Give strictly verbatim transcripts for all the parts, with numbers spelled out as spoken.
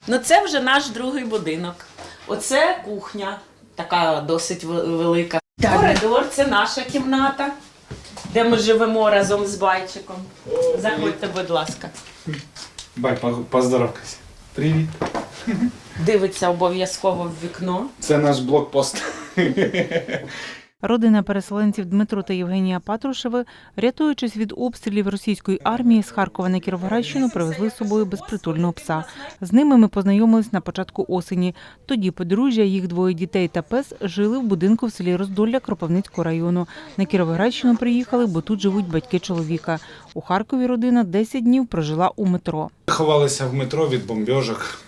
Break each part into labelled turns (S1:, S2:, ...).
S1: Ну це вже наш другий будинок. Оце кухня, така досить велика.
S2: Так.
S1: Коридор – це наша кімната, де ми живемо разом з Байчиком. Заходьте, будь ласка.
S3: Бай, поздоровкайся. Привіт.
S1: Дивиться обов'язково в вікно.
S3: Це наш блокпост.
S2: Родина переселенців Дмитро та Євгенія Патрушеви, рятуючись від обстрілів російської армії, з Харкова на Кіровоградщину привезли з собою безпритульного пса. З ними ми познайомились на початку осені. Тоді подружжя, їх двоє дітей та пес жили в будинку в селі Роздолля Кропивницького району. На Кіровоградщину приїхали, бо тут живуть батьки чоловіка. У Харкові родина десять днів прожила у метро.
S3: Ховалися в метро від бомбьожок.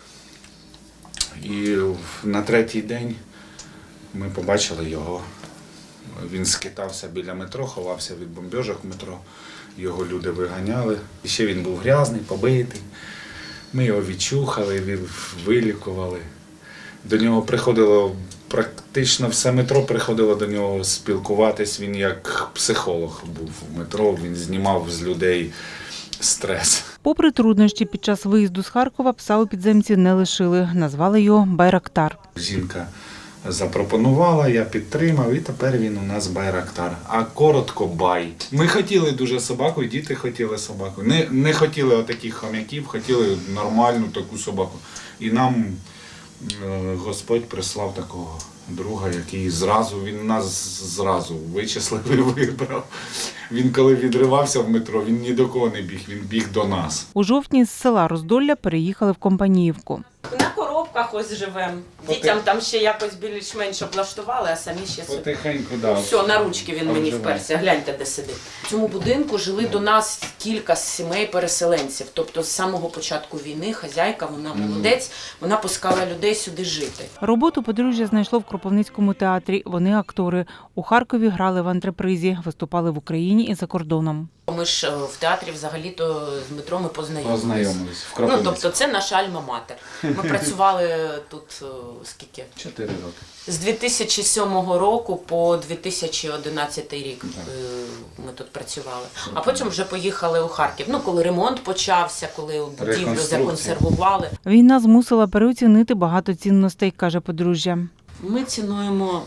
S3: І на третій день ми побачили його. Він скитався біля метро, ховався від бомбьожок в метро. Його люди виганяли. І ще він був грязний, побитий. Ми його відчухали, вилікували. До нього приходило, практично все метро приходило до нього спілкуватись. Він як психолог був в метро, він знімав з людей стрес.
S2: Попри труднощі, під час виїзду з Харкова пса у підземці не лишили. Назвали його Байрактар.
S3: Жінка запропонувала, я підтримав, і тепер він у нас Байрактар. А коротко Бай. Ми хотіли дуже собаку, і діти хотіли собаку. Не, не хотіли отаких хом'яків, хотіли нормальну таку собаку. І нам е, Господь прислав такого друга, який зразу, він нас зразу вичислив і вибрав. Він коли відривався в метро, він ні до кого не біг, він біг до нас.
S2: У жовтні з села Роздолля переїхали в Компаніївку.
S1: На коробках ось живемо. Дітям там ще якось більш-менш облаштували, а самі ще собі.
S3: Потихеньку, да.
S1: Все, на ручки він мені
S3: Обживає.
S1: вперся. Гляньте, де сидить. В цьому будинку жили до нас кілька сімей переселенців. Тобто з самого початку війни хазяйка, вона молодець, вона пускала людей сюди жити.
S2: Роботу подружжя знайшло в Кропивницькому театрі. Вони актори. У Харкові грали в антрепризі, виступали в Україні і за кордоном.
S1: Ми ж в театрі взагалі-то з Дмитром ми познайомилися.
S3: Познайомились в
S1: Ну,
S3: Кропивницькому.
S1: тобто це наша альма-матер. Ми працювали тут скільки?
S3: Чотири роки.
S1: З дві тисячі сьомого року по дві тисячі одинадцятий рік ми тут працювали. А потім вже поїхали у Харків. Ну, коли ремонт почався, коли будівлю
S3: Реконструкція.
S1: законсервували.
S2: Війна змусила переоцінити багато цінностей, каже подружжя.
S1: Ми цінуємо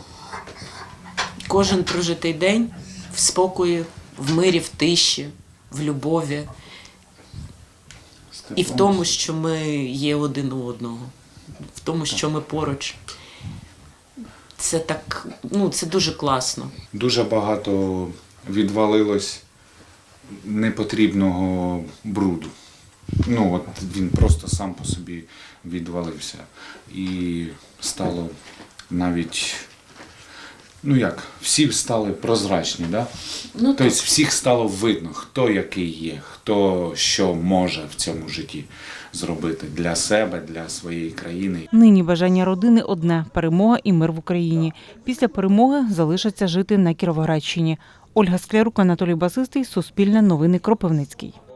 S1: кожен прожитий день в спокої, в мирі, в тиші, в любові. І в тому, що ми є один у одного, в тому, що ми поруч. Це так, ну, це дуже класно.
S3: Дуже багато відвалилось непотрібного бруду. Ну, от він просто сам по собі відвалився. І стало навіть, ну як, всі стали прозрачні, да?
S1: Ну,
S3: Тобто всіх стало видно, хто який є, хто що може в цьому житті зробити для себе, для своєї країни.
S2: Нині бажання родини одне – перемога і мир в Україні. Після перемоги залишаться жити на Кіровоградщині. Ольга Склярук, Анатолій Басистий, Суспільне новини, Кропивницький.